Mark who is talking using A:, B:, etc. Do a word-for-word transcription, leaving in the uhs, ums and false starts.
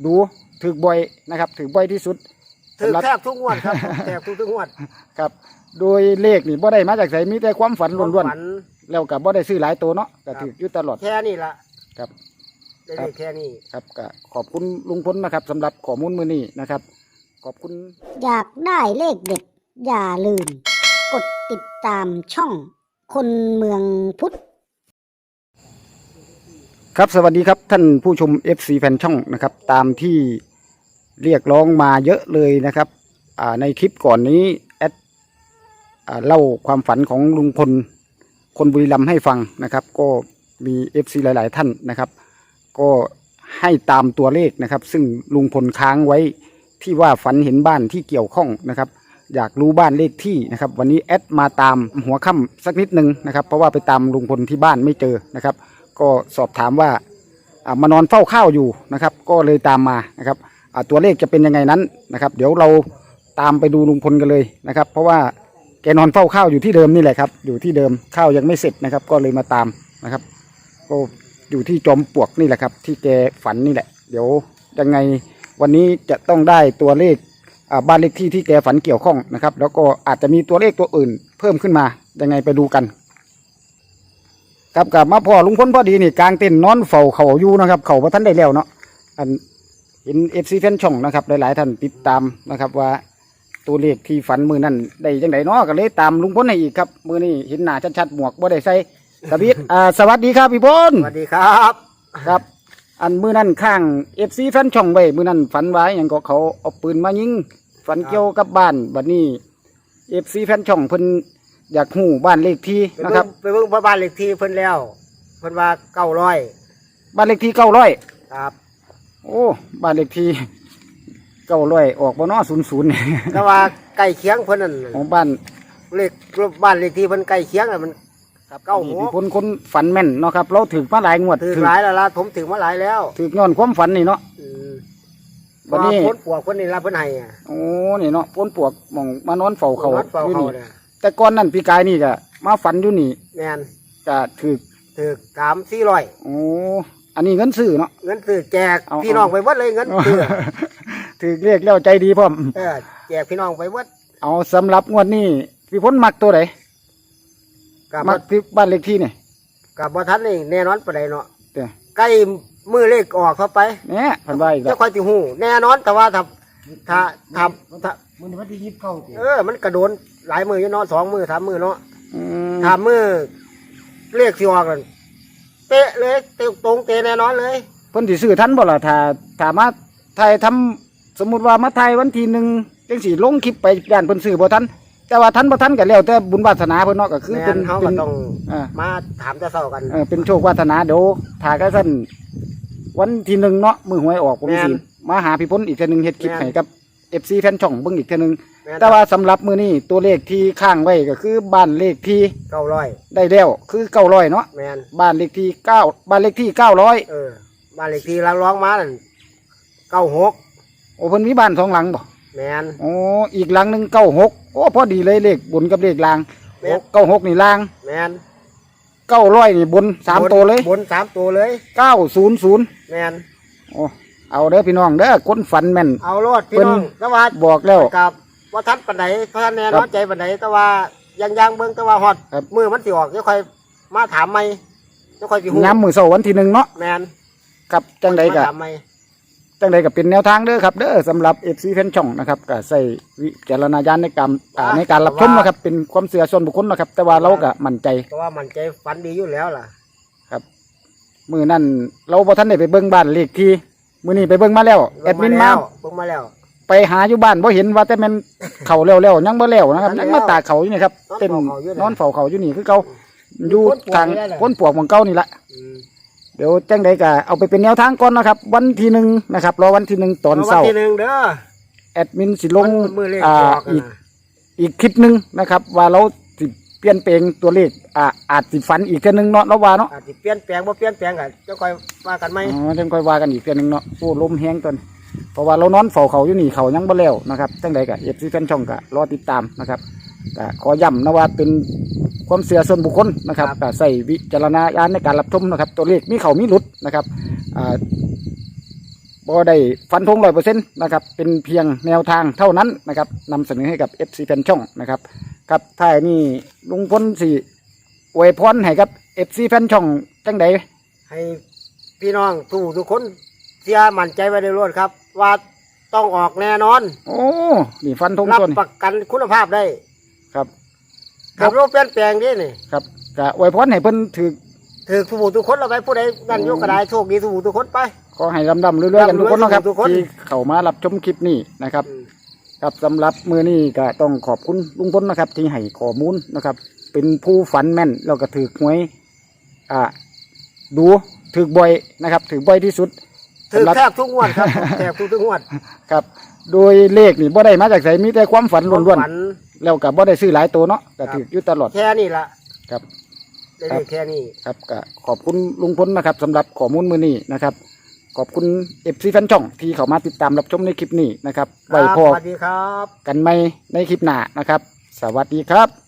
A: ดูถือบ่อยนะครับถือบ่อยที่สุด
B: ถือแทบทุกงวดครับแทบทุกทุกงวด
A: ครับโดยเลขนี่บ่ได้มาจากไสมีแต่ความฝันล้วนๆแล้วก็บ่ได้ซื้อหลายตัวเนาะก็ถืออยู่ตลอด
B: แค่นี้ละ
A: ครับ
B: ได้แค่นี้
A: ครับก็ขอบคุณลุงพลนะครับสำหรับข้อมูลมื้อนี้นะครับขอบคุณ
C: อยากได้เลขเด็ดอย่าลืมกดติดตามช่องคนเมืองพุทธ
A: ครับสวัสดีครับท่านผู้ชม เอฟ ซี แฟนช่องนะครับตามที่เรียกร้องมาเยอะเลยนะครับในคลิปก่อนนี้แอดเล่าความฝันของลุงพลคนบุรีรัมย์ให้ฟังนะครับก็มี เอฟ ซี หลายๆท่านนะครับก็ให้ตามตัวเลขนะครับซึ่งลุงพลค้างไว้ที่ว่าฝันเห็นบ้านที่เกี่ยวข้องนะครับอยากรู้บ้านเลขที่นะครับวันนี้แอดมาตามหัวค่ำสักนิดนึงนะครับเพราะว่าไปตามลุงพลที่บ้านไม่เจอนะครับก็สอบถามว่ามานอนเฝ้าข้าวอยู่นะครับก็เลยตามมานะครับตัวเลขจะเป็นยังไงนั้นนะครับเดี๋ยวเราตามไปดูลุงพลกันเลยนะครับเพราะว่าแกนอนเฝ้าข้าวอยู่ที่เดิมนี่แหละครับอยู่ที่เดิมข้าวยังไม่เสร็จนะครับก็เลยมาตามนะครับก็อยู่ที่จอมปลวกนี่แหละครับที่แกฝันนี่แหละเดี๋ยวยังไงวันนี้จะต้องได้ตัวเลขบ้านเลขที่ที่แกฝันเกี่ยวข้องนะครับแล้วก็อาจจะมีตัวเลขตัวอื่นเพิ่มขึ้นมายังไงไปดูกันครับกลับมาพ่อลุงพลพอดีนี่กลางเต็นท์นอนเฝ้าเขาอยู่นะครับเขาพระท่านได้แล้วเนาะอันเห็นเอฟซีแฟนช่องนะครับหลายๆท่านติดตามนะครับว่าตัวเลขที่ฝันมือนั่นได้ยังไงเนาะก็เลยตามลุงพลให้อีกครับมือนี่เห็นหน้าชัดๆหมวกบ่ได้ใส่สวิตอ่าสวัสดีครับพี่พล
B: สวัสดีครับ
A: ครับอันมือนั่นข้างเอฟซีแฟนช่องไว้มือนั่นฝันไว้อย่างก็เขาเอาปืนมายิงฝันเกี่ยวกับบ้านบัดนี้เอฟซีแฟนช่องเพิ่นอยากหูบ้านเลขที่นะครับ
B: ไปเบิ่งบ้านเลขที่เพิ่นแล้วเพิ่นว่าเก้าร้อย
A: บ้านเลขที่เก้าร้อย
B: ครับ
A: โอ้บ้านเลขที่เก้าร้อยออกบ่เนาะศูนย์ศูนย์
B: แต่ว่าใกล้เคียงเพิ่นนั่น
A: ของบ้าน
B: เลขบ้านเลขที่เพิ่นใกล้เคียงน่ะมันเก้าหก
A: คนคนฝันแม่นเนาะครับเราถือมาหลายงวด
B: ถือหลายแล้วล่ะผมถือมาหลายแล้ว
A: ถือย้อนความฝันนี่เนาะ
B: วันนี้พ้นปวกเพิ่นนี่ล่ะเพิ่นให้อ่ะ
A: โอ้นี่เนาะพ้นปวกมองมานอนเฝ้าเขาอยู่นี่
B: เนี่ย
A: แต่ก่อนนั่นปีกายนี่ก็มาฝันอยู่นี่
B: แม่น
A: ก็ถือ
B: ถือสามสี่ร้อย
A: โอ้อันนี้เงินซื้อเนาะ
B: เงินซื้อแจกพี่น้องไปวัดเลยเงินซื้อ
A: ถือเรียกแล้วใจดีพร้อม
B: เออแจกพี่น้องไปวัด
A: เอาสำหรับงวดนี้พี่พ้นมักตัวไหนมักที่บ้านเลขที่นี่
B: กับบ่ทันนี่แน่นอนปานใดเนาะใกล้มือเลขออกเข้าไป
A: เนี่ยพันใบอีกแล้ว
B: จะค่อยสิฮู้แน่นอนแต่ว่าถ้าถ้าถ้าถ้า
A: มื้อนี้วันที่ยี่สิบเก้า
B: เออมันกระโดนหลายมืออยู่เนาะสองมือสามมือเนาะถ้ามือเลขสิออกกันเป๊ะเลยตรงเตะแน่นอนเลย
A: เพิ่นสิซื้อทันบ่ล่ะถ้าถ้ามาไทยทำสมมุติว่ามาไทยวันที่หนึ่งจังสิลงคลิปไปย่านเพิ่นซื้อบ่ทันแต่ว่าทันบ่ทันก็แล้วแต่บุญวาสนาเพิ่นเนาะก็คือเป็น
B: เฮาก็ต้องมาถามจะเซากัน
A: เออเป็นโชควาสนาเดี๋ยวถ้าก็ซั่นวันที่หนึ่งเนาะมื้อหวยออกผมสิมาหาพี่พ้นอีกเทื่อนึงเฮ็ดคลิปให้กับ เอฟ ซี แฟนช่องเบิ่งอีกเทื่อนึงแต่ว่าสำหรับมื้อนี้ตัวเลขที่ข้างไว้ก็คือบ้านเลขที่
B: เก้าร้อย
A: ได้แล้วคือเก้าร้อยเนาะ
B: แม่น
A: บ้านเลขที่เก้าบ้านเลขที่เก้าร้อย
B: เออบ้านเลขที่ร้องมานั่นเก้าหก
A: โอ้เพิ่นมีบ้านสองหลังบ่
B: แม่น
A: โอ้อีกหลังนึงเก้าหกโอ้พอดีเลยเลขบนกับเลขล่างเก้าหกนี่ล่าง
B: แม่น
A: เก้าร้อยนี่บนสามตัวเลย
B: บนสามตัวเลย
A: เก้าศูนย์ศูนย์
B: แม่น
A: โอ้เอาเด้อพี่น้องเด้อคนฝันแม่น
B: เอาโลดพี่น้องแต่ว่า
A: บอกแล้ว
B: กับว่าทัดปานใดเพราะแน่นอนใจปานใดแต่ว่ายังยังเบิ่งแต่ว่าฮอดมือมันสิออกจะค่อยมาถามใหม่จะค่อยสิฮู้
A: ย้ำมื้อเช้าวันที่หนึ่งเนาะ
B: แม่น
A: กับจังไดก็จังไดก็เป็นแนวทางเด้อครับเด้อสำหรับ เอฟ ซี แฟนช่องนะครับก็ใส่วิจารณญาณในการในการรับชมนะครับเป็นความเชื่อส่วนบุคคลนะครับแต่ว่าเราก็มั่นใจ
B: เพราะว่ามั่นใจฝันดีอยู่แล้วล่ะ
A: ครับมื้อนั้นเราบ่ทันได้ไปเบิ่งบ้านเลขที่มื้อนี้ไปเบิ่งมาแล้วแอดมินมา
B: เบิ่งมาแล้ว
A: ไปหาอยู่บ้านบ่เห็นว่าแต่มันเข้าแล้วๆยังบ่แล้วนะครับยังมาตากเขาอยู่นี่ครับเต้นนอนเฝ้าเขาอยู่นี่คือเก่าอยู่ทางพ้นปวกของเก่านี่แหละเดี๋ยวจังใดก็เอาไปเป็นแนวทางก่อนนะครับวันที่หนึ่งนะครับรอวันที่หนึ่งตอนเช้า
B: วันที่หนึ่งเด้อ
A: แอดมินสิลงอ่าอีกอีกคลิปนึงนะครับว่าเราสิเปลี่ยนแปลงตัวเลขอ่าอาจสิฝันอีกแค่นึงเนาะเราว่าเนาะ
B: อาจสิเปลี่ยนแปลงบ่เปลี่ยนแปลงก็จะค่อยว่ากันไหม
A: อ๋อจังค่อยว่ากันอีกแค่นึงเนาะโอ้ลมแห้งตอนเพราะว่าเรานอนเฝ้าเขาอยู่นี่เขายังบ่แล้วนะครับจังใดก็เอฟซีแฟนช่องก็รอติดตามนะครับก็ขอย้ำนะว่าเป็นความเชื่อส่วนบุคคลนะครับก็ใส่วิจารณญาณในการรับชมนะครับตัวเลขมีเขามีหลุดนะครับอ่าบ่บ่ได้ฟันธงร้อยเปอร์เซ็นต์นะครับเป็นเพียงแนวทางเท่านั้นนะครับนำเสนอให้กับ เอฟ ซี แฟนช่องนะครับครับท้ายนี่ลุงพลสิอวยพรให้กับ เอฟ ซี แฟนช่องจังใด
B: ให้พี่น้องทุกทุกคนเสียมั่นใจไว้ในรถครับ ว่าต้องออกแน่นอน
A: โอ้นี่ฟันธง
B: รับ
A: ต้น
B: ประกันคุณภาพได้
A: ครับ
B: ขับรถเปลี่ยนแปลงนี่นี่
A: ครับก็อวยพรให้เพิ่นถือ
B: ถือทุกผู้ทุกคนเราไปผู้ใดนั่นโยกกระไดโชคดีทุกผู้ทุกคนไป
A: ขอให้ลำดำเรื่อยๆกันทุกคนเนาะครับ
B: ทุกคน
A: ที่เข้ามารับชมคลิปนี้นะครับ ครับสำหรับมือนี้ก็ต้องขอบคุณลุงพลนะครับ ที่ให้ข้อมูลนะครับ เป็นผู้ฝันแม่นแล้วก็ถือหวยอ่าดูถือบ่อยนะครับถือบ่อยที่สุด
B: ถือ
A: สำหรับ
B: แทบทุกงวดครับ แทบทุกทุกงวด
A: ครับ โดยเลขนี่บ่ได้มาจากไสมีแต่ความฝันล้วน
B: ฝัน
A: ๆแล้วก็บ่ได้ซื้อหลายตัวเนาะก็ถืออยู่ตลอด
B: แค่นี้ละ
A: ครับ
B: ได้เลขแค่นี้
A: ครับก็ขอบคุณลุงพลนะครับสำหรับข้อมูลมือนี้นะครับ ขอบคุณเอฟซีแฟนช่องที่เข้ามาติดตามรับชมในคลิปนี้นะครับ
B: ค
A: ไว้
B: รับ
A: พอ
B: สวัสดีครับ
A: กันใหม่ในคลิปหน้านะครับ สวัสดีครับ